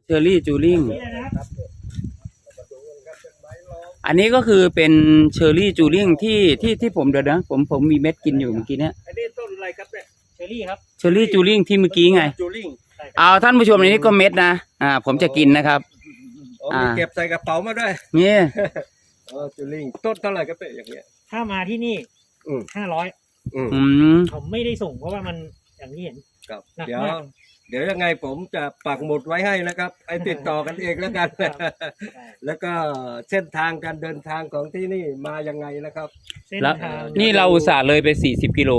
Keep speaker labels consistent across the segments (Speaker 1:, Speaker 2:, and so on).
Speaker 1: เชอรี่จูริง
Speaker 2: นี่นะครับ
Speaker 1: อันนี้ก็คือเป็นเชอรี่จูริงที่ผมเดี๋ยวนะผมมีเม็ดกินอยู่เมื่อกี้เนี่ย
Speaker 3: อันนี้ต้นอะไรครับเนี่ย
Speaker 2: เชอรี่ครับ
Speaker 1: เชอรี่จูริงที่เมื่อกี้ไง
Speaker 3: จูริง
Speaker 1: เอาท่านผู้ชมในนี้ก็เม็ดนะผมจะกินนะครับ
Speaker 3: มีเก็บใส่กระเป๋ามาด้วย
Speaker 1: นี่
Speaker 3: จูริงต้นเท่าไหร่ครับเนี่ยอย่างเงี้ย
Speaker 2: ถ้ามาที่นี่ 500
Speaker 1: อืม
Speaker 2: ผมไม่ได้ส่งเพราะว่ามันอย่างที่เห็น
Speaker 3: ครับ
Speaker 2: หนัก
Speaker 3: เดี๋ยว
Speaker 2: มาก
Speaker 3: เดี๋ยวยังไงผมจะปักหมุดไว้ให้นะครับไอ้ติดต่อกันเองแล้วกัน แล้วก็เส้นทางการเดินทางของที่นี่มายังไงนะครับ
Speaker 2: เส้น
Speaker 1: แล้ว
Speaker 2: ทาง
Speaker 1: นี่เราอุตส่าห์เลยไป40 กิโล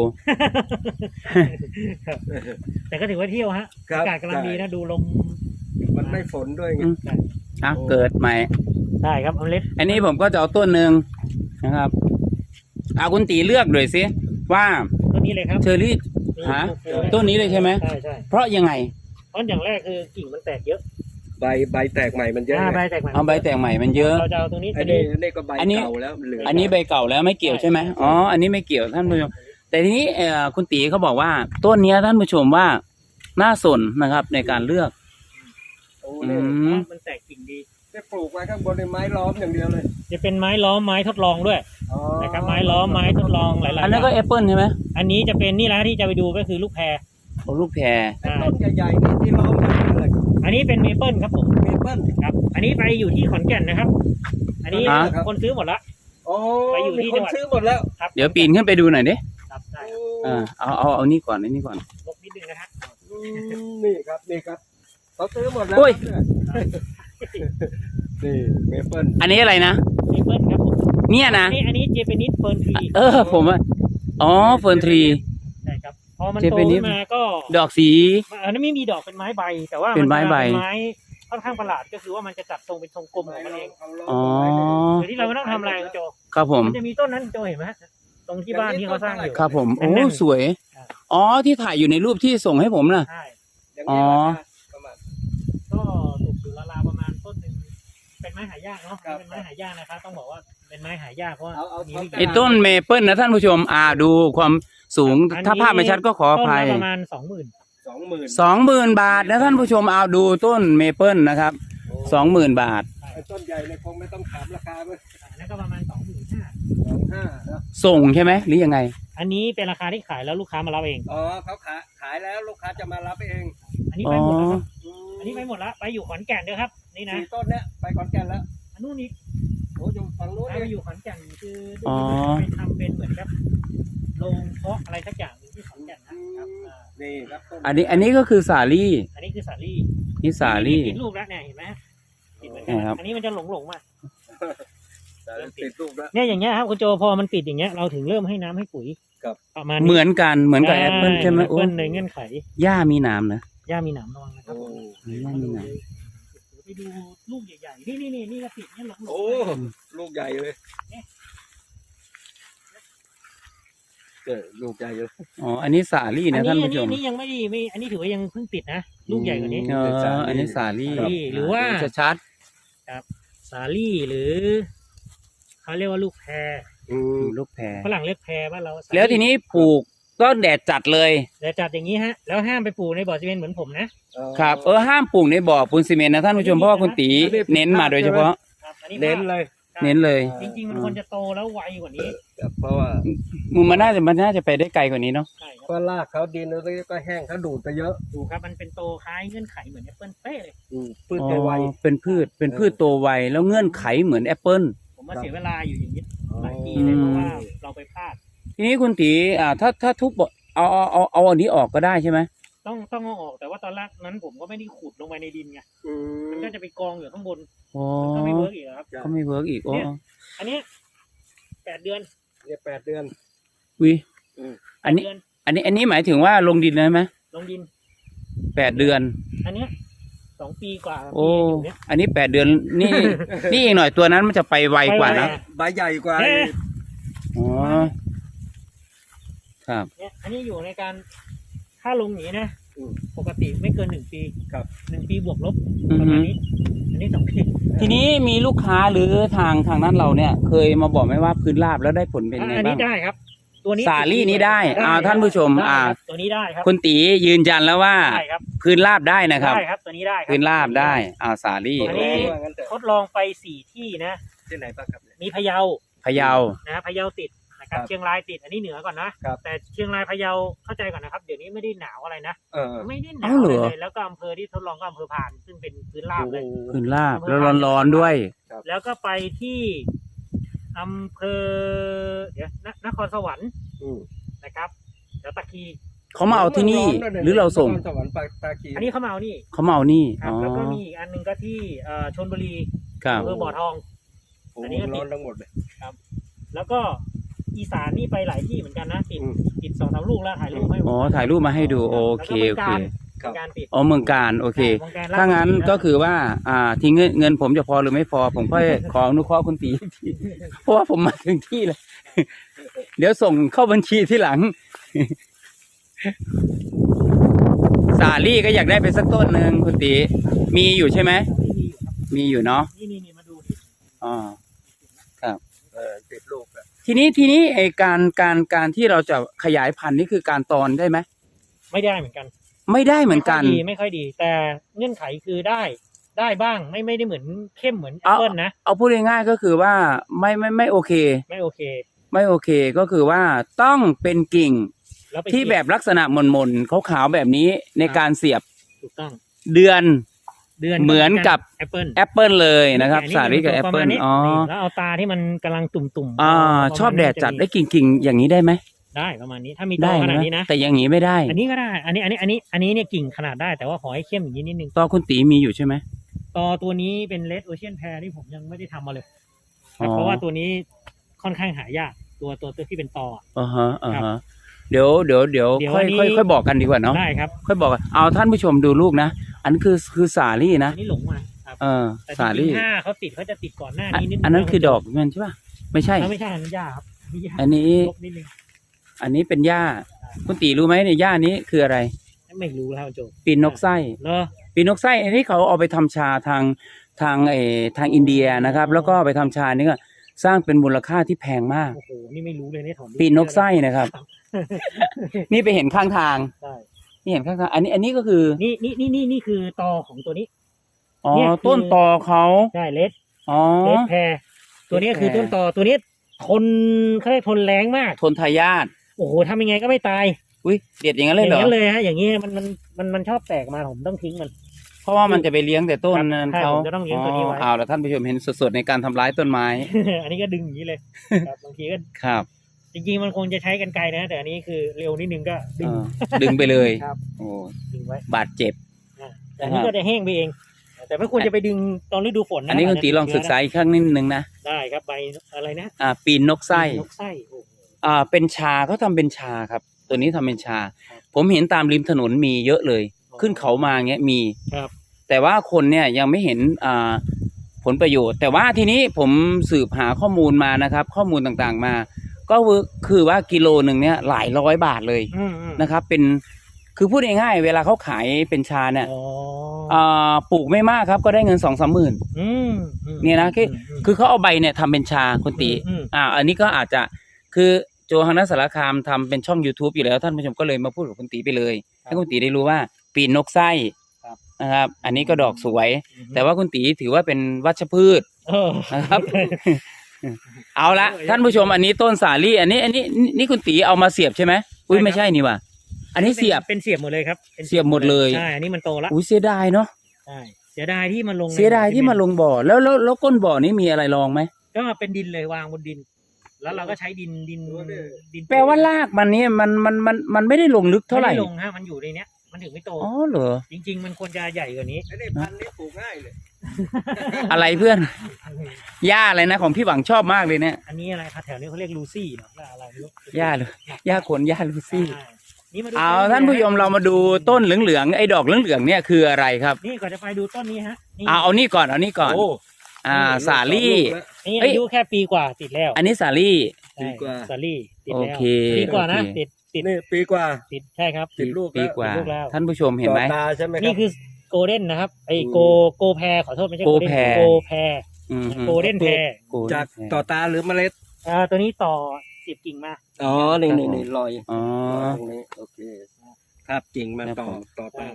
Speaker 2: ครับแต่ก็ถือว่าเที่ยวฮะ
Speaker 3: ครับ
Speaker 2: อากาศกำลังดีนะดูลม
Speaker 3: มันไม่ฝนด้วยไง
Speaker 1: เกิดใหม่
Speaker 2: ได้ครับเอาเล็ก
Speaker 1: อันนี้ผมก็จะเอาต้นหนึ่งนะครับคุณตีเลือกหน่อยสิว่า
Speaker 2: ต้นนี้เลยครับ
Speaker 1: เชอรี่ ฮะต้นนี้เลยใช่ไหม
Speaker 2: ใช่ใช่
Speaker 1: เพราะยังไง
Speaker 2: เพราะอย่างแรกคือกิ่งมันแตกเยอะ
Speaker 3: ใบแตกใหม่มันเยอะ
Speaker 2: ใบ
Speaker 3: ไง
Speaker 2: แตกใหม่
Speaker 1: เอาใบแต่งใหม่มันเยอะ
Speaker 2: เราจะเอาตรงนี้
Speaker 3: อันนี้ก็ใบ
Speaker 1: อันนี้
Speaker 3: เก่าแล้วเหลือง
Speaker 1: อันนี้ใบเก่าแล้วไม่เกี่ยวใช่ไหมอ๋ออันนี้ไม่เกี่ยวท่านผู้ชมแต่ทีนี้คุณตีเขาบอกว่าต้นเนี้ยท่านผู้ชมว่าน่าสนนะครับในการเลือก
Speaker 3: โอ้
Speaker 1: อื
Speaker 3: เนี่ย
Speaker 1: ม
Speaker 2: มันแตกกิ่งดี
Speaker 3: จะปลูกไว้ข้างบนในไม้ล้อมอย่างเดียวเลย
Speaker 2: จะเป็นไม้ล้อมไม้ทดลองด้วย
Speaker 3: อ๋อ
Speaker 2: นะครับไม้ล้อมไม้ทดลองหลายๆ
Speaker 1: อันนั้นก็
Speaker 2: ย่าง
Speaker 1: แอปเปิลใช่ไหม
Speaker 2: อันนี้จะเป็นนี่แหละที่จะไปดูก็คือลูกแพร
Speaker 1: โอ้ลูกแพร
Speaker 3: ไอ้ต้นใหญ่ๆนี่ที่ล้อมกันอะไร
Speaker 2: อันนี้เป็นเมเปิลครับผม
Speaker 3: เมเปิ้ล
Speaker 2: ครับ อันนี้ไปอยู่ที่ขอนแก่นนะครับ อันนี้
Speaker 3: ครับ
Speaker 2: คนซื้อหมดละ
Speaker 3: โอ้
Speaker 2: ไปอยู่ที่
Speaker 3: มีค
Speaker 2: จั
Speaker 3: น
Speaker 2: งหวัด
Speaker 3: ซื้อหมดแล้ว
Speaker 2: ครับ
Speaker 1: เดี๋ยวปีนขึ้นไปดูหน่อยดิ
Speaker 2: ครับได้
Speaker 1: เอานี่ก่อนนี่ก่อน
Speaker 2: ลบนิดนึงนะฮะ
Speaker 3: นี่ครับเขาซื้อหมดแล้ว
Speaker 1: โอ้ย
Speaker 3: นี่เมเปิ้ล
Speaker 1: อันนี้อะไรนะ
Speaker 2: เมเปิลครับผม
Speaker 1: เนี่ยนะ
Speaker 2: อันนี้เจแปนิสเฟิร์นทรี
Speaker 1: ผมว่าอ๋อเฟิร์นทรี
Speaker 2: ใช่ครับพอมัน
Speaker 1: เจ
Speaker 2: โต
Speaker 1: แปนิส
Speaker 2: ขึ้นมาก็
Speaker 1: ดอกสี
Speaker 2: อันนี้ไม่มีดอกเป็นไม้ใบ แต่ว่า
Speaker 1: เป็นไม้ใบ
Speaker 2: เป็นไม้ค่อนข้างประหลาดก็คือว่ามันจะจัดทรงเป็นทรงกลมของมันเอง
Speaker 1: อ๋อ
Speaker 2: โดยที่เราไม่ต้องทำอะไรคุณโจ
Speaker 1: ครับผม
Speaker 2: มันจะมีต้นนั้นโจเห็นไหมฮะตรงที่บ้านที่เขาสร้างอยู่
Speaker 1: ครับผมโอ้
Speaker 2: นั่น
Speaker 1: สวย
Speaker 2: อ่า
Speaker 1: อ๋อที่ถ่ายอยู่ในรูปที่ส่งให้ผมน่ะ
Speaker 2: ใช่
Speaker 3: อย่าง
Speaker 1: อ๋
Speaker 3: นี้
Speaker 1: อ
Speaker 3: ราคาประมาณ
Speaker 2: ก็ตกอยู่ราวๆประมาณต้นหนึ่งเป็นไม้หายากเนาะ
Speaker 3: ครับ
Speaker 2: เป็นไม้หายากนะครับต้องบอกว่าเป็นไม้หายากเพราะว่า
Speaker 3: เอา
Speaker 2: มีไม่
Speaker 1: ไอ้
Speaker 2: กี่
Speaker 1: ต้นเมเปิลนะท่านผู้ชมดูความสูง
Speaker 2: อันนี้
Speaker 1: ถ้าภาพไม่ชัดก็ขออ
Speaker 2: ต้น
Speaker 1: ภัย
Speaker 2: ละประมาณ 20,000
Speaker 3: 20,000
Speaker 1: 20,000 บาทนะท่านผู้ชมเอาดูต้นเมเปิลนะครับ 20,000 บาท
Speaker 3: ไอ้ต้นใหญ่เนี่ยคงไม่ต้องถามราคาเลย
Speaker 2: อันนั้นก็ประมาณ 25,000
Speaker 3: 25,000นะ
Speaker 1: ส่งใช่ไหมหรือยังไง
Speaker 2: อันนี้เป็นราคาที่ขายแล้วลูกค้ามารับเอง
Speaker 3: อ๋อเขาขายแล้วลูกค้าจะมารับเอง
Speaker 2: อันนี้
Speaker 1: อ๋
Speaker 2: ไป
Speaker 1: อ
Speaker 2: หมดแล้วครับอันนี้ไปหมดแล้วไปอยู่ขอนแก่นด้วยครับนี่นะ
Speaker 3: 4 ต้นเนี้ยไปขอนแก่นแล้ว
Speaker 2: อันนู้นอีก
Speaker 3: โอ้อยู่ฝั่งนู้น
Speaker 2: ไป
Speaker 3: เลย
Speaker 2: อยู่ขอนแก่นคือ
Speaker 1: อ๋อ
Speaker 2: ไปทำเป็นเหมือนแบบโรงเพาะอะไรสักอย่างหนึ่งที่ขอนแก่นนะครับ
Speaker 3: นี่ครับต้น
Speaker 1: อันนี้ก็คือสาลี่
Speaker 2: อันนี้คือสาลี่
Speaker 1: นี่สาลี่
Speaker 2: ติดลูกแล้วเนี่ยเห็นไหมติดเหมือนกั
Speaker 1: ครับ
Speaker 2: อันนี้มันจะหลงมา
Speaker 3: ติดลูกแล้ว
Speaker 2: เนี่ยอย่างเงี้ยครับคุณโจพอมันติดอย่างเงี้ยเราถึงเริ่มให้น้ำให้ปุ๋ย
Speaker 3: ครับ
Speaker 2: ประมาณ
Speaker 1: เหมือนกันเหมือนกับแอปเปิลใช่ไหม
Speaker 2: แอป
Speaker 1: โอ้
Speaker 2: เปิลในเงื่อนไข
Speaker 1: หญ้ามีหนามนะ
Speaker 2: หญ้ามีหนามระวังนะครับ
Speaker 3: โอ้
Speaker 1: หญ้ามีหนาม
Speaker 2: ไปดูลูกใหญ่ๆนี่ก็ติดเนี่ยหลง
Speaker 3: โอ้ลูกใหญ่เลยลูกใหญ่เลย
Speaker 1: อ๋ออันนี้สาลี่นะท่านผู้ชม
Speaker 2: อันนี้ยังไม่อันนี้ถือว่ายังเพิ่งติดนะลูกใหญ่กว่านี้
Speaker 1: อันนี้สาลี่
Speaker 2: สาลี่หรือว่า
Speaker 1: จะชัด
Speaker 2: สาลี่หรือเขาเรียกว่าลูกแพร
Speaker 1: ลูกแพร
Speaker 2: ฝรั่งเรียกแพรบ้านเราสาลี่
Speaker 1: แล้วทีนี้ปลูกก็แดดจัดเลย
Speaker 2: แต่จัดอย่างนี้ฮะแล้วห้ามไปปลูกในบ่อซีเมนต์เหมือนผมนะครับ
Speaker 1: ห้ามปลูกในบ่อปูนซีเมนต์นะท่านผู้ชมเพราะว่าคุณตีเน้นมาโดยเฉพาะ
Speaker 2: ครับอันนี้
Speaker 3: เน้นเลย
Speaker 1: เน้นเลย
Speaker 2: จริงๆมันควรจะโตแล้วไวกว่านี้
Speaker 3: เพราะว่า
Speaker 1: มันน่าจะไปได้ไกลกว่านี้เนาะ
Speaker 2: ใช่ครับ
Speaker 3: เพราะรากเขาดินแล้วก็แห้งเขาดูดไปเยอะ
Speaker 2: ดูครับมันเป็นโตคล้ายเงื่อนไขเหมือนแอปเปิลเป๊ะเลย
Speaker 3: พืชไว
Speaker 1: เป็นพืชโตไวแล้วเงื่อนไขเหมือนแอปเปิล
Speaker 2: ผมมาเสียเวลาอยู่อย่างนี้หลายปีเลยเพราะว่าเราไปพลาด
Speaker 1: ทีนี้คุณตีถ้าทุบเอาอันนี้ออกก็ได้ใช่ไหม
Speaker 2: ต้องเอาออกแต่ว่าตอนแรกนั้นผมก็ไม่ได้ขุดลงไปในดินไงมันก็จะไปกองอยู่ข้างบน
Speaker 1: อ๋อ
Speaker 2: ก็ไม่เวิร์กอีกครับ
Speaker 1: ก็ไม่เวิร์กอีก
Speaker 2: เนี่ย อันเนี้ย8 เดือน
Speaker 3: เนี่ย8 เดือน
Speaker 1: วิ
Speaker 3: อืม
Speaker 1: อันนี้
Speaker 2: เดือน
Speaker 1: อันนี้หมายถึงว่าลงดินเลยไหม
Speaker 2: ลงดิน
Speaker 1: 8 เดือน
Speaker 2: อันเนี้ย2 ปีกว่า
Speaker 1: โอ้
Speaker 2: ปีอยู่เนี่ย
Speaker 1: อันนี้8 เดือน นี่ นี่อีกหน่อยตัวนั้นมันจะไปไวกว่านะ
Speaker 3: ใบใหญ่กว่า
Speaker 1: อ๋อ ครับ
Speaker 2: เนี่ยอันนี้อยู่ในการถ้าลงอย่างนี้นะปกติไม่เกิน1 ปี
Speaker 3: ครับ
Speaker 2: 1 ปีบวกลบ
Speaker 1: อือ
Speaker 2: ประ
Speaker 1: ฮึ
Speaker 2: มาณนี้ อันนี้2 ปี
Speaker 1: ทีนี้มีลูกค้าหรือทางนั้นเราเนี่ย เคยมาบอกไหมว่าพื้นราบแล้วได้ผลเป็นไง
Speaker 2: อัน
Speaker 1: บ้า
Speaker 2: นี้
Speaker 1: ง
Speaker 2: ได้ครับ ตัวนี้
Speaker 1: สาลี่นี้ได้
Speaker 2: ครับ
Speaker 1: ท่านผู้ชม
Speaker 2: ได้ครับตัวนี้ได้ครับ
Speaker 1: คุณตียืนยันแล้วว่า
Speaker 2: ได้ครับ
Speaker 1: พื้นราบได้นะครับ
Speaker 2: ได้ครับตัวนี้ได้ครับ
Speaker 1: พื้นราบได้สาลี่
Speaker 2: อัน
Speaker 1: โอ
Speaker 2: นี้
Speaker 1: เค
Speaker 2: ทดลองไป4ที่นะ
Speaker 3: ที่ไหนบ้างครับเนี่ย
Speaker 2: มีพะเยา
Speaker 1: พะเยา
Speaker 2: นะพะเยาติดนะครับ
Speaker 3: ครับ
Speaker 2: เชียงรายติดอันนี้เหนือก่อนนะครับ แต่เชียงรายพะเยาเข้าใจก่อนนะครับเดี๋ยวนี้ไม่ได้หนาวอะไรนะ ไม่ได้หนาวอะไรเลยแล้วก็อำเภอที่ทดลองก็อำเภอพานซึ่งเป็นพื้นราบเลย
Speaker 1: พื้นราบแล้วร้อนๆด้วย
Speaker 2: แล้วก็ไปที่อำเภอเดี๋ยวนครสวรรค์
Speaker 3: อืม
Speaker 2: นะครับเดี๋ยวตะคี
Speaker 1: เขามาเอาที่นี่หรือเราส่ง
Speaker 3: นคสวรรค์ปากตาคี
Speaker 2: อันนี้เขามาเอานี่
Speaker 1: เขามาเอานี่
Speaker 2: ครับแล้วก็มีอีกอันหนึงก็ที่ชลบุรี
Speaker 1: ครับ
Speaker 2: อำเภอบ่อทอง
Speaker 3: โอ้
Speaker 2: อัน
Speaker 3: โห
Speaker 2: นี้ก็ติด
Speaker 3: ร้อนทั้งหมดเลย
Speaker 2: แล้วก็อีสานนี่ไปหลายที่เหมือนกันนะติด
Speaker 3: อืม
Speaker 2: ติด2-3 ลูกแล้วถ่ายรูปให้
Speaker 1: อ๋อถ่ายรูปมาให้ดูโอเคโอเค
Speaker 3: ครับ
Speaker 2: การติด
Speaker 1: อ๋อเมืองการโอเค
Speaker 2: มืองกร
Speaker 1: ถ้างั้นก็คือว่าที่เงินผมจะพอหรือไม่พอ ผมค่อยขออนุเคราะห์คุณตีอีกทีเพราะว่าผมมาถึงที่เลย เดี๋ยวส่งเข้าบัญชีที่หลัง สาลี่ก็อยากได้ไปสักต้นหนึ่งคุณตีมีอยู่ใช่ไหมมีอยู่เนาะ
Speaker 2: นี่มาดูดิ
Speaker 1: อ๋อ
Speaker 3: ติดลูกอะ
Speaker 1: ทีนี้ไอการที่เราจะขยายพันธุ์นี่คือการตอนได้ไหม
Speaker 2: ไม่ได้เหมือนกัน
Speaker 1: ไม่ได้เหมือนกัน
Speaker 2: ไม่ค่อยดี แต่เงื่อนไขคือได้บ้างไม่ได้เหมือนเข้มเหมือนแอปเปิลนะ
Speaker 1: เอาพูดง่ายๆก็คือว่าไม่โอเค
Speaker 2: ไม่โอเค
Speaker 1: ไม่โอเคก็คือว่าต้องเป็นกิ่ง
Speaker 2: แล้วไป
Speaker 1: ที่แบบลักษณะหม่นๆขาวๆแบบนี้ในการเสียบ
Speaker 2: ถูกต้อง
Speaker 1: เดือน
Speaker 2: เหมือนกับ
Speaker 1: แอป
Speaker 2: แอปเปิล
Speaker 1: แอปเปิลเลยนะครับ
Speaker 2: อั
Speaker 1: สาลี่กับแอปเปิล
Speaker 2: ประมาณนี้
Speaker 1: อ๋อ
Speaker 2: นี่แล้วเอาตาที่มันกำลังตุ่มๆ
Speaker 1: ชอบแดดจัดได้กิ่งๆอย่างนี้ได้ไหม
Speaker 2: ได้ประมาณนี้ถ้ามีต
Speaker 1: ได้
Speaker 2: อขนาด
Speaker 1: นะ
Speaker 2: นี้นะ
Speaker 1: แต่อย่างนี้ไม่ได้
Speaker 2: อันนี้ก็ได้ อันนี้เนี่ยกิ่งขนาดได้แต่ว่าขอให้เข้มอย่างนี้นิดนึง
Speaker 1: ตอคุณตีมีอยู่ใช่ไหม
Speaker 2: ตอตัวนี้เป็นเลดโอเชียนแพรที่ผมยังไม่ได้ทำมาเลย
Speaker 1: อ๋อ
Speaker 2: เพราะว่าตัวนี้ค่อนข้างหายากตัวที่เป็นตอ
Speaker 1: ฮะเดี๋ยว
Speaker 2: เดี๋ยว
Speaker 1: ค่อย
Speaker 2: อันนี้
Speaker 1: ค่อยบอกกันดีกว่าเนาะ
Speaker 2: ได้ครับ
Speaker 1: ค่อยบอกกันเอาท่านผู้ชมดูลูกนะอันนคือสาลี่นะ
Speaker 2: อันนี้หลงมาครับ แต่จ
Speaker 1: สา
Speaker 2: ริ
Speaker 1: ลี่
Speaker 2: งๆถ้าเขาติดเขาจะติดก่อนหน้านี้นิดนึง
Speaker 1: อันนั้นคือดอกมันใช่ป่ะไม่ใช่
Speaker 2: ไม่ใช่อันนั้นหญ้าครับหญ้า
Speaker 1: อันนี้
Speaker 2: ลบนิดนึง
Speaker 1: อันนี้เป็นหญ้าคุณตีรู้ไหมในยหญ้านี้คืออะไร
Speaker 2: ไม่รู้แล้วโจ
Speaker 1: ปีนนกไส้
Speaker 2: เนอะ
Speaker 1: ปีนนกไส้อันนี้เขาเอาไปทำชาทางอินเดียนะครับ แล้วก็ไปทำชานี่ก็สร้างเป็นมูลค่าที่แพงมาก
Speaker 2: โอ้โหนี่ไม่รู้เลยเนี่ยถอน
Speaker 1: ปีนนกไส้นะครับ นี่ไปเห็นข้างทาง
Speaker 2: ใช่
Speaker 1: นี่เห็นข้างทางอันนี้ก็คือ
Speaker 2: นี่คือตอของตัวนี้
Speaker 1: อ๋อ
Speaker 2: เนี่ยคือ
Speaker 1: ต้นตอเขา
Speaker 2: ใช่เลด
Speaker 1: อ๋อ
Speaker 2: แพรตัวนี้คือต้นตอตัวนี้ทนเขาเรียกทนแรงมาก
Speaker 1: ทนทายาท
Speaker 2: โอ้โหทำยังไงก็ไม่ตาย
Speaker 1: อุ้ยเด็ดอย่างนั้น
Speaker 2: อ
Speaker 1: เลยเหร
Speaker 2: ย่าง
Speaker 1: อ
Speaker 2: นั้นเลยฮะอย่างนี้มันชอบแตกมาผมต้องทิ้งมัน
Speaker 1: เพราะว่ามันจะไปเลี้ยงแต่ต้นนั้น
Speaker 2: ใช่
Speaker 1: เขา
Speaker 2: ผมจะต้องเลี้ยงตัวนี้ไว้
Speaker 1: เอาแล้วท่านผู้ชมเห็นสดๆในการทำร้ายต้นไม้
Speaker 2: อันนี้ก็ดึงอย่างนี้เลยครับบางทีก็
Speaker 1: ครับ
Speaker 2: จริงๆมันคงจะใช้กันไกลนะ แต่อันนี้คือเร็วนิดนึงก็ดึง
Speaker 1: ดึงไปเลย
Speaker 2: ครับ
Speaker 1: โอ้
Speaker 2: ดึงไว้
Speaker 1: บาดเจ็บ
Speaker 2: แต่อันนี้ก็จะแห้งไปเอง แต่ไม่ควรจะไปดึงตอนฤดูฝนนะ
Speaker 1: อันนี้คุณตีลองศึกษาอีกครั้งนิดนึงนะ
Speaker 2: ได้ครับใบอะไรนะ
Speaker 1: ปีนนกไส้
Speaker 2: นกไส้โอ้โห
Speaker 1: เป็นชาเขาทำเป็นชาครับ ตัวนี้ทำเป็นชา ผมเห็นตามริมถนนมีเยอะเลย ขึ้นเขามาเงี้ยมี
Speaker 2: ครับ
Speaker 1: แต่ว่าคนเนี่ยยังไม่เห็นผลประโยชน์ แต่ว่าทีนี้ผมสืบหาข้อมูลมานะครับ ข้อมูลต่างๆมา ก็คือว่ากิโลหนึ่งเนี่ยหลายร้อยบาทเลย
Speaker 2: อืม
Speaker 1: นะครับ เป็นคือพูดง่ายๆเวลาเขาขายเป็นชาเนี่ย
Speaker 2: อ๋อ
Speaker 1: ปลูกไม่มากครับก็ได้เงิน 2-3 หมื่น
Speaker 2: อืม
Speaker 1: เนี่ยนะคือเขาเอาใบเนี่ยทำเป็นชาคุณตี อันนี้ก็อาจจะคือโจฮังนัสสารคามทำเป็นช่อง YouTube อยู่แล้วท่านผู้ชมก็เลยมาพูดกับคุณตีไปเลยให้คุณตีได้รู้ว่าปีนนกไส้นะครับ อันนี้ก็ดอกสวย แต่ว่าคุณตีถือว่าเป็นวัชพืชนะครับ เอาละท่านผู้ชมอันนี้ต้นสาลี่อันนี้นี่คุณตีเอามาเสียบใช่ไหมอุ้ยไม่ใช่นี่ว่ะอันนี้เสียบ
Speaker 2: เป็นเสียบหมดเลยครับป็น
Speaker 1: เสียบหมดเลย
Speaker 2: ใช่อันนี้มันโตแล้ว
Speaker 1: อุ้ยเสียดายเนาะ
Speaker 2: ใช่เสียดายที่มันลง
Speaker 1: เสียดายที่มาลงบ่อแล้วก้นบ่อนี้มีอะไรรองไหม
Speaker 2: ก็เป็นดินเลยวางบนดิน แล้วเราก็ใช้ดิน
Speaker 1: แปลว่ารากมันนี่มันไม่ได้ลงลึกเท่าไหร่
Speaker 2: ม่ด้ลงฮะมันอยู่ในเนี้ยมันถึงไม่โต
Speaker 1: อ๋อเหรอ
Speaker 2: จริง ๆ มันควรจะใหญ่กว่านี้
Speaker 3: ไอ้นี่พันธุ์นี้ปลูกง่ายเลย
Speaker 1: อะไรเพื่อนหญ้าอะไรนะของพี่หวังชอบมากเลยเนี่ย
Speaker 2: อันนี้อะไรครับแถวนี้เขาเรียกลูซี่เนาะว่าอะไรไม่รู้
Speaker 1: หญ้าเลยหญ้าขนหญ้าลูซี่
Speaker 2: ใช่นี่มาดู
Speaker 1: เอาท่านผู้ชมเรามาดูต้นเหลืองๆไอ้ดอกเหลืองๆเนี่ยคืออะไรครับ
Speaker 2: นี่ก่อนจะไปดูต้นนี้ฮะนี่
Speaker 1: เอานี่ก่อน
Speaker 3: โอ้
Speaker 1: เอานี่ก่อนสาลี่
Speaker 2: นี่
Speaker 1: เอ้ย
Speaker 2: อายุแค่ปีกว่าติดแล้ว
Speaker 1: อันนี้สาลี่
Speaker 2: ใช่
Speaker 3: ปีกว่า
Speaker 2: สาลี่ติด
Speaker 1: โอ
Speaker 2: แล้ว
Speaker 1: เค
Speaker 2: ปีกว่านะ
Speaker 1: โอเค
Speaker 2: ติด
Speaker 3: นี่ปีกว่า
Speaker 2: ใช่ครับ
Speaker 3: ติดลูก
Speaker 1: ปีกว่า
Speaker 2: ติดลูกแล้ว
Speaker 1: ท่านผู้ชมเห็นไหม
Speaker 3: ต่อตาใช่ไหมครับ
Speaker 2: นี่คือโกลเด้นนะครับไอโกแพรขอโทษไม่ใช่
Speaker 1: โก
Speaker 2: โกลเด้น
Speaker 1: แพร
Speaker 2: โกแพร
Speaker 1: อืม
Speaker 2: โกลเด้นแพร
Speaker 3: จากต่อตาหรือเมล็ด
Speaker 2: ตัวนี้ต่อเสียบกิ่งมา
Speaker 3: อ๋อนี่รอย
Speaker 1: อ๋อ
Speaker 3: ตรงนี้โอเคครับกิ่งมันต่อตา
Speaker 2: ครับ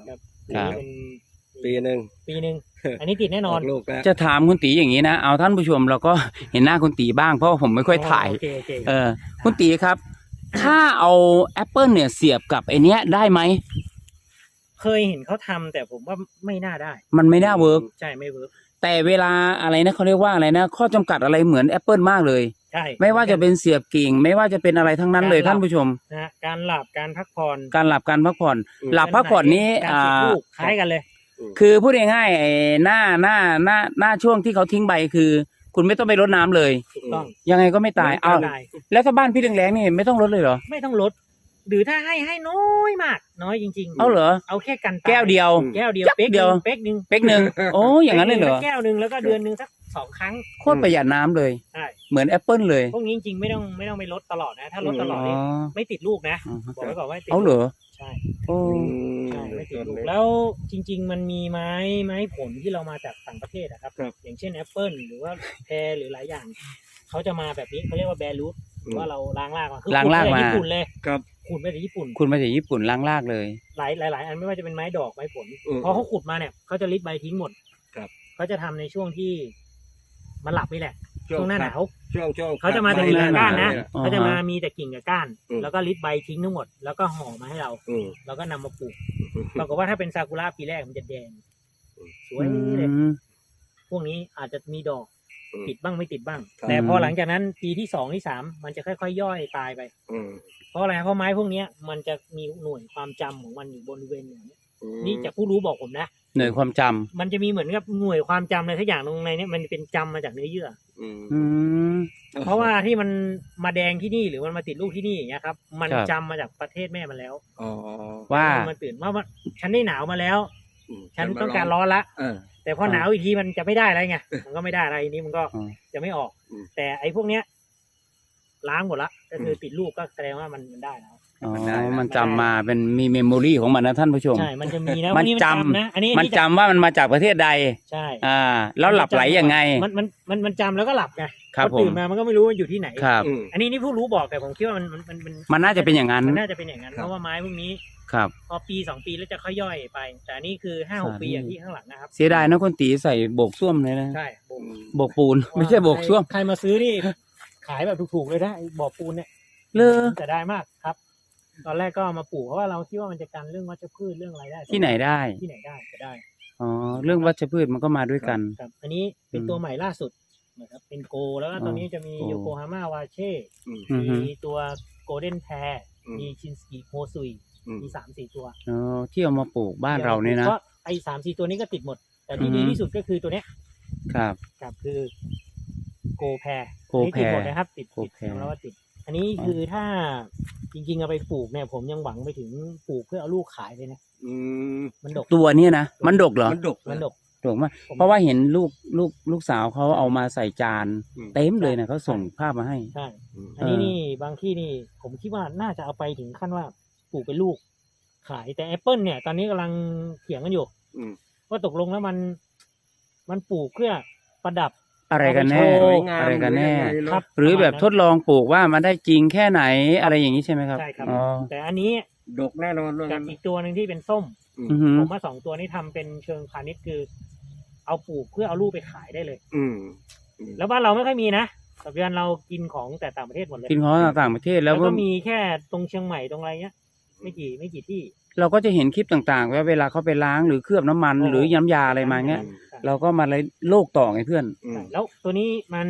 Speaker 1: ครับ
Speaker 2: เป็น
Speaker 3: ปีหนึ่ง
Speaker 2: ปีหนึ่งอันนี้ติดแน่นอน
Speaker 3: ออกลูกแล้ว
Speaker 1: จะถามคุณตีอย่างนี้นะเอาท่านผู้ชมเราก็เห็นหน้าคุณตีบ้างเพราะว่าผมไม่ค่อยถ่าย
Speaker 2: โอเคโอเค
Speaker 1: คุณตีครับ ถ้าเอาแอปเปิลเนี่ยเสียบกับไอเนี้ยได้ไหม
Speaker 2: เคยเห็นเขาทำแต่ผมว่าไม่น่าได้
Speaker 1: มันไม่น่าเวิร์ก
Speaker 2: ใช่ไม่เวิร์ก
Speaker 1: แต่เวลาอะไรนะเขาเรียกว่าอะไรนะข้อจำกัดอะไรเหมือนแอปเปิลมากเลย
Speaker 2: ใช่
Speaker 1: ไม่ว่าจะเป็นเสียบกิ่ง ไม่ว่าจะเป็นอะไรทั้งนั้นเลยท่านผู้ชม
Speaker 2: นะฮะการหลับการพักผ่อน
Speaker 1: การหลับการพักผ่อน หลับพักผ่อนนี้
Speaker 2: การติดลูกคล้ายกันเลย
Speaker 1: คือพูดง่ายๆไอ้หน้าช่วงที่เขาทิ้งใบคือ คุณไม่ต้องไปรดน้ำเลย
Speaker 2: ถูกต้อง
Speaker 1: ยังไงก็ไม่ตาย เอา
Speaker 2: ไม่ตาย
Speaker 1: แล้วถ้าบ้านพี่แรงๆนี่ไม่ต้องรดเลยเหรอ
Speaker 2: ไม่ต้องลด หรือถ้าให้น้อยมาก น้อยจริงๆ
Speaker 1: เอาเหรอ
Speaker 2: เอาแค่กันตาย
Speaker 1: แก้วเดียว
Speaker 2: แก้วเดียว
Speaker 1: จัก
Speaker 2: เป๊ก
Speaker 1: เดียว
Speaker 2: เป๊กหนึ่ง
Speaker 1: เป๊กหนึ่งโอ้อย่างนั้นเลยเหรอ
Speaker 2: แก้วหนึ่งแล้วก็เดือนหนึ่งสัก2 ครั้ง
Speaker 1: โคตรประหยัดน้ำเลย
Speaker 2: ใช่
Speaker 1: เหมือนแอปเปิลเลย
Speaker 2: พวกนี้จริงๆไม่ต้องไปลดตลอดนะ ถ้าลดตลอดนี่ไม่ติดลูกนะ
Speaker 1: อ๋อ
Speaker 2: บอกไว้ก่อนว่าไม่ติด
Speaker 1: เอาเหรอ
Speaker 2: ใช่
Speaker 1: โอ้
Speaker 2: ใช่ไม่ติดลูกแล้วจริง ๆ มันมีไม้ผลที่เรามาจากต่างประเทศนะครับ อย่างเช่นแอปเปิลหรือว่าแพรหรือหลายอย่างเขาจะมาแบบนี้เขาเรียกว่าแบรูทว่าเราล้างรากมาคือ
Speaker 1: ล้างรากมา
Speaker 2: ขูดญี่ปุ่นเลย
Speaker 3: ครับ
Speaker 2: ขูดมาจากญี่ปุ่น
Speaker 1: คุณมาจากญี่ปุ่นล้างรากเลย
Speaker 2: หลายอันไม่ว่าจะเป็นไม้ดอกไม้ผล
Speaker 3: อืม
Speaker 2: พอเขาขุดมาเนี่ยเขาจะริดใบทิ้งหมด
Speaker 3: ครับ
Speaker 2: เขาจะทำในช่วงที่มันหลับนี่แหละช่วงหน้าหนาว
Speaker 3: ช่วง
Speaker 2: เขาจะมาแต่กิ่งกับก้านนะ
Speaker 1: อ๋อ
Speaker 2: เขาจะมามีแต่กิ่งกับก้าน
Speaker 3: อืม
Speaker 2: แล้วก็ริดใบทิ้งทั้งหมดแล้วก็ห่อมาให้เรา
Speaker 3: อืม
Speaker 2: แล้วก็นำมาปลูกปรากฏว่าถ้าเป็นซากุระปีแรกมันจะแดงสวยเลย
Speaker 1: อืม
Speaker 2: พวกนี้อาจจะมีดอก
Speaker 3: อืม
Speaker 2: ติดบ้างไม่ติดบ้าง
Speaker 3: ครับ
Speaker 2: แต่พอหลังจากนั้นปีที่2ที่3มันจะค่อยๆย่อยตายไป
Speaker 3: อืม
Speaker 2: เพราะอะไรเพราะไม้พวกเนี้ยมันจะมีหน่วยความจำของมันอยู่บริเวณเนี่ยนี่จากผู้รู้บอกผมนะ
Speaker 1: หน่วยความจำ
Speaker 2: มันจะมีเหมือนกับหน่วยความจำอะไรทุกอย่างตรงในเนี้มันเป็นจำมาจากเนื้อเยื่อ
Speaker 3: อืม
Speaker 1: อืม
Speaker 2: เพราะว่าที่มันมาแดงที่นี่หรือมันมาติดลูกที่นี่อย่างเงี้ยครับ มัน
Speaker 1: ครับ
Speaker 2: จำมาจากประเทศแม่มันแล้ว
Speaker 3: อ๋อ
Speaker 1: ว่า
Speaker 2: มันตื่นว่าฉันได้หนาวมาแล้ว
Speaker 3: อืม
Speaker 2: ฉันต้องการร้อนละ
Speaker 3: เออ
Speaker 2: แต่พอหนาวอีกทีมันจะไม่ได้อะไรไง มันก็ไม่ได้อะไรนี้มันก็
Speaker 1: อ๋อ
Speaker 2: จะไม่ออก
Speaker 3: อืม
Speaker 2: แต่ไอ้พวกเนี้ย ล้างหมดละก็คือติดลูกก็แสดงว่ามันได้แล้ว
Speaker 1: อ๋อ
Speaker 3: มันได้นะ
Speaker 1: มันจำมาเป็นมีเมมโมรีของมันนะท่านผู้ชม
Speaker 2: ใช่ มันจะมีนะ
Speaker 1: มัน
Speaker 2: วัน
Speaker 1: จำ
Speaker 2: นะอันนี้
Speaker 1: มันจำว่ามันมาจากประเทศใด
Speaker 2: ใช่
Speaker 1: แล้วหลับไหลยังไง
Speaker 2: มันจำแล้วก็หลับไง
Speaker 1: ครับ
Speaker 2: พอตื่นมามันก็ไม่รู้ว่าอยู่ที่ไหน
Speaker 1: ครับ
Speaker 3: อืม
Speaker 2: อันนี้นี่ผู้รู้บอกแต่ผมคิดว่ามัน
Speaker 1: มันน่าจะเป็นอย่างนั้น
Speaker 2: มันน่าจะเป็นอย่างนั้น
Speaker 3: ครับ
Speaker 2: เพราะว่าไม้พวกนี้
Speaker 1: ครับ
Speaker 2: พอปี2 ปีแล้วจะค่อยย่อยไป แต่อันนี่คือ5-6 ปีอย่างที่ข้างหลังนะครับ
Speaker 1: เสียดายนะคนตีใส่โบกส้วมเลยนะ
Speaker 2: ใช่
Speaker 1: โบกปูน ไม่ใช่โบกส้วม
Speaker 2: ใครมาซื้อนี่ขายแบบถูกๆเลยนะไอ้บ่อปูนเนี่ย
Speaker 1: เลอ
Speaker 2: จะได้มากครับ ตอนแรกก็เอามาปลูกเพราะว่าเราคิดว่ามันจะกันเรื่องวัชพืชเรื่องอะไรได้
Speaker 1: ที่ไหนได้
Speaker 2: ที่ไหนได้จะได้
Speaker 1: อ๋อ เรื่องวัชพืชมันก็มาด้วยกัน
Speaker 2: ครับ อันนี้เป็นตัวใหม่ล่าสุดนะครับเป็นโกแล้วก็ตอนนี้จะมี
Speaker 1: โก
Speaker 2: โยโกฮาม่าวาเช่
Speaker 3: อืม
Speaker 1: อือฮึ
Speaker 2: มีตัวโกลเด้นแพร
Speaker 3: อืม
Speaker 2: มีชินสกิโฮซุย
Speaker 3: อืม
Speaker 2: มี3-4 ตัว
Speaker 1: อ๋อที่เอามาปลูกบ้านเราเนี่ยนะ
Speaker 2: ก็ไอ้3-4 ตัวนี้ก็ติดหมด แต่ที่
Speaker 1: อือฮึ
Speaker 2: ดีที่สุดก็คือตัวเนี้ย
Speaker 1: ครับ
Speaker 2: ครับคือโกแพร
Speaker 1: โกแพร
Speaker 2: ติดหมดนะครับ ติด
Speaker 1: โกแพร
Speaker 2: ยอมรับว่าติด อันนี้คือถ้าจริงๆเอาไปปลูกเนี่ย ผมยังหวังไปถึงปลูกเพื่อเอาลูกขายเลยนะ
Speaker 3: อืม
Speaker 2: มันดก
Speaker 1: ตัวเนี้ยนะมันดกเหรอ
Speaker 3: มันดก
Speaker 2: มันดก
Speaker 1: ดกมากเพราะว่าเห็นลูกสาวเขาเอามาใส่จาน
Speaker 3: อืม
Speaker 1: เต็มเลยนะเขาส่งภาพมาให้
Speaker 2: ใช่
Speaker 3: อืม
Speaker 2: อันนี้นี่บางที่นี่ ผมคิดว่าน่าจะเอาไปถึงขั้นว่าปลูกเป็นลูก ขายแต่แอปเปิลเนี่ย ตอนนี้กำลังเถียงกันอยู่
Speaker 3: อืม
Speaker 2: ว่าตกลงแล้วมันปลูกเพื่อประดับ
Speaker 1: อะไรกันแน่
Speaker 2: เอาไปโชว์
Speaker 3: สวยงาม
Speaker 1: อะไรกันแน่
Speaker 3: หรือยังไงเนอะ
Speaker 2: ครับ
Speaker 1: หรือแบบทดลองปลูกว่ามันได้จริงแค่ไหนอะไรอย่างนี้ใช่ไหมครับ
Speaker 2: ใช่ครับ
Speaker 1: อ๋อ
Speaker 2: แต่อันนี้
Speaker 3: ดกแน่นอนเลย
Speaker 2: กับอีกตัวหนึ่งที่เป็นส้ม
Speaker 1: อือหือ
Speaker 2: ผมว่า2 ตัวนี้ทำเป็นเชิงพาณิชย์คือ เอาปลูกเพื่อเอาลูกไปขายได้เลย
Speaker 3: อืม
Speaker 2: แล้วบ้านเราไม่ค่อยมีนะปัจจุบันเรากินของแต่ต่างประเทศหมดเลย
Speaker 1: กินของต่างประเทศแล้
Speaker 2: แล้ว วก็มีแค่ตรงเชียงใหม่ตรงอะไรเงี้ย ไม่กี่ที่
Speaker 1: เราก็จะเห็นคลิปต่างๆว่าเวลาเขาไปล้างหรือเคลือบน้ำมัน
Speaker 2: โอ้
Speaker 1: หรือย้ำยาอะไรมาเงี้ย
Speaker 2: ใช่
Speaker 1: เราก็มาเลยโลกต่อไงเพื่อน
Speaker 3: อืม
Speaker 2: แล้วตัวนี้มัน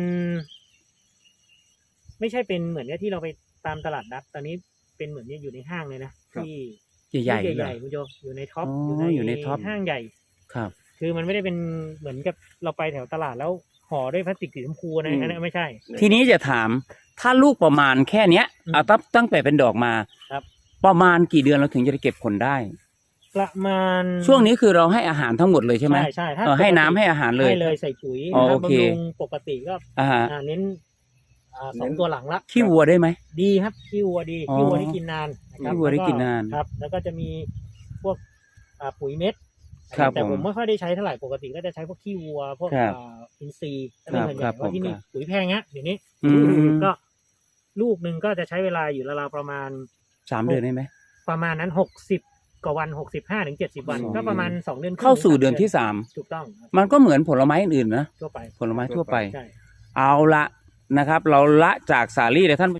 Speaker 2: ไม่ใช่เป็นเหมือนกับที่เราไปตามตลาดนัดตอนนี้เป็นเหมือนเนี่ยอยู่ในห้างเลยนะที่
Speaker 1: ใหญ่ๆ
Speaker 2: ให
Speaker 1: เล
Speaker 2: ญ่
Speaker 1: ย
Speaker 2: ๆคุณโจอยู่ในท็อป
Speaker 1: อ๋ออยู่ในท็อป
Speaker 2: ห้างใหญ่
Speaker 1: ครับ
Speaker 2: คือมันไม่ได้เป็นเหมือนกับเราไปแถวตลาดแล้วห่อด้วยพลาสติกสีชมพูนะอันนั้นไม่ใช่
Speaker 1: ทีนี้จะถามถ้าลูกประมาณแค่เนี้ย
Speaker 2: อืม
Speaker 1: เอาตั้งแต่เป็นดอกมา
Speaker 2: ครับ
Speaker 1: ประมาณกี่เดือนเราถึงจะเก็บผลได้
Speaker 2: ประมาณ
Speaker 1: ช่วงนี้คือเราให้อาหารทั้งหมดเลยใช่ไหม
Speaker 2: ใช่ถ้า
Speaker 1: ให้น้ำให้อาหารเลย
Speaker 2: ให้เลยใส่ปุ๋ย
Speaker 1: อ๋อ
Speaker 2: นะครับ
Speaker 1: โอเค
Speaker 2: บำรุงปกติก็
Speaker 1: อ่าฮะ
Speaker 2: เน้น2 ตัวหลังละ
Speaker 1: ขี้วัวได้ไหม
Speaker 2: ดีครับขี้วัวดี
Speaker 1: อ๋อ
Speaker 2: ขี้วัวที่กินนานนะครับ
Speaker 1: ขี้วัวที่กินนาน
Speaker 2: ครับ แล้วก็จะมีพวกปุ๋ยเม็ด
Speaker 1: ครับ
Speaker 2: แต่
Speaker 1: ผ
Speaker 2: ผม มไม่ค่อยได้ใช้เท่าไหร่ปกติก็จะใช้พวกขี้วัวพวก
Speaker 1: ครับ
Speaker 2: อินทรีย์ก็เป็นส่วนให
Speaker 1: ครั
Speaker 2: ญ่
Speaker 1: บ
Speaker 2: เพราะที่นี่
Speaker 1: ครับ
Speaker 2: ปุ๋ยแพงฮะเดี๋ยวนี้
Speaker 1: อืม
Speaker 2: ก็ลูกหนึ่งก็จะใช้เวลาอยู่ราวๆประมาณ
Speaker 1: 3 เดือนได้ไหม
Speaker 2: ประมาณนั้นกว่าวัน65 ถึง 70 วันก็ประมาณ2 เดือนครึ่ง
Speaker 1: เข้าสู่เดือนที่
Speaker 2: ถูกต้องครับ
Speaker 1: 3มันก็เหมือนผลไม้อื่นๆนะ
Speaker 2: ทั่วไป
Speaker 1: ผลไม้ทั่วไป
Speaker 2: ใช่
Speaker 1: เอาละนะครับ เราละจากสาลี่เลยท่าน